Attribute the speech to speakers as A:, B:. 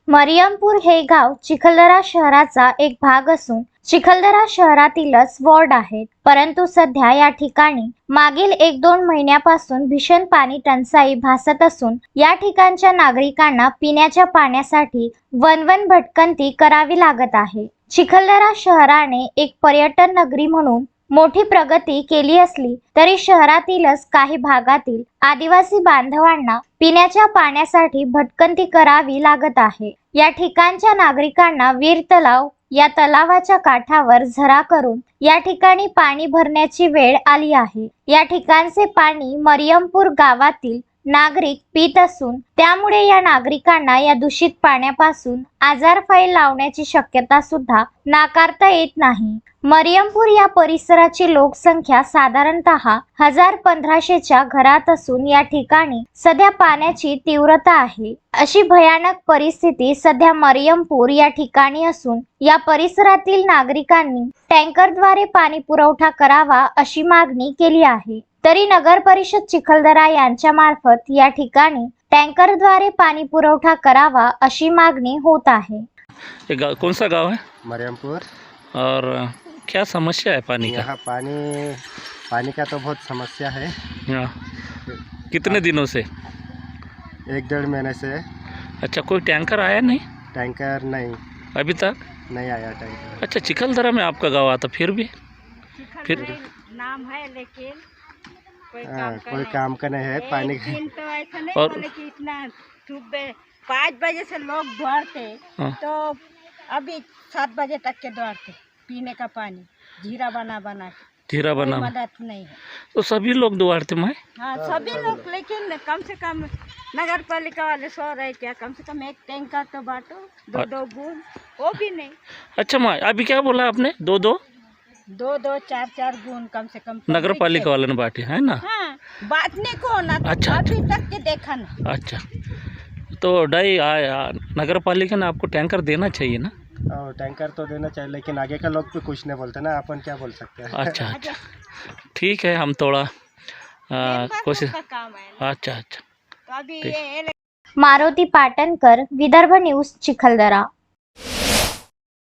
A: मरियमपूर हे गाव चिखलदरा शहराचा एक भाग असून चिखलदरा शहरातीलच वॉर्ड आहेत. परंतु सध्या या ठिकाणी मागील 1-2 महिन्यापासून भीषण पाणी टंचाई भासत असून या ठिकाणच्या नागरिकांना पिण्याच्या पाण्यासाठी वनवन भटकंती करावी लागत आहे. चिखलदरा शहराने एक पर्यटन नगरी म्हणून मोठी प्रगती केली असली तरी शहरातीलच काही भागातील आदिवासी बांधवांना पिण्याच्या पाण्यासाठी भटकंती करावी लागत आहे. या ठिकाणच्या नागरिकांना वीर तलाव या तलावाच्या काठावर झरा करून या ठिकाणी पाणी भरण्याची वेळ आली आहे. या ठिकाणचे पाणी मरियमपूर गावातील नागरिक पीत असून त्यामुळे या नागरिकांना या दूषित पाण्यापासून आजारफाईल लावण्याची शक्यता सुद्धा नाकारता येत नाही. मरियमपूर या परिसराची लोकसंख्या साधारणतः 1000-1500च्या घरात असून या ठिकाणी सध्या पाण्याची तीव्रता आहे. अशी भयानक परिस्थिती सध्या मरियमपूर या ठिकाणी असून या परिसरातील नागरिकांनी टँकरद्वारे पाणी पुरवठा करावा अशी मागणी केली आहे. तरी नगर परिषद चिखलदरा यांच्या मार्फत या ठिकाणी टँकरद्वारे पाणी पुरवठा करावा अशी मागणी होत आहे.
B: कौन सा गांव है?
C: मरियमपुर।
B: और क्या समस्या है पानी का?
C: यहाँ पानी का तो बहुत समस्या है।
B: कितने दिनों से?
C: 1-1.5 महीने से।
B: अच्छा, कोई टैंकर आया नहीं?
C: टैंकर नहीं,
B: अभी तक
C: नहीं आया टैंकर।
B: अच्छा, चिखलदरा में आपका गाँव आता फिर भी? फिर
D: नाम है लेकिन
C: कोई काम का नहीं है पानी का।
D: तो ऐसा नहीं
B: और-
D: बोले कि इतना सुबह 5 बजे से लोग दौड़ते
B: हाँ।
D: तो अभी 7 बजे तक के दौड़ते पीने का पानी जीरा बना के
B: धीरा
D: कोई
B: बना
D: मदद नहीं है।
B: तो सभी लोग दुआरते में?
D: हाँ सभी लोग, लेकिन कम से कम नगर पालिका वाले सो रहे क्या, कम से कम एक टैंकर तो बांटो, 2-2 बूंद, वो भी नहीं।
B: अच्छा माँ, अभी क्या बोला आपने? 2-2
D: 4-4 बूंद कम से कम
B: नगर पालिका वाले ने बांटे है ना?
D: हाँ बांटने को ना।
B: अच्छा,
D: अभी तक के देखा ना।
B: अच्छा, तो नगर पालिका ने आपको टैंकर देना चाहिए ना?
C: और टैंकर तो देना चाहिए लेकिन आगे का लोग भी कुछ नहीं बोलते ना, अपन क्या बोल सकते हैं।
B: अच्छा अच्छा, ठीक है, हम थोड़ा कोशिश।
D: का काम है ना।
B: अच्छा अच्छा,
D: तो अभी
B: ठीक।
D: ये
A: मारुती पाटणकर, विदर्भ न्यूज, चिखलदरा.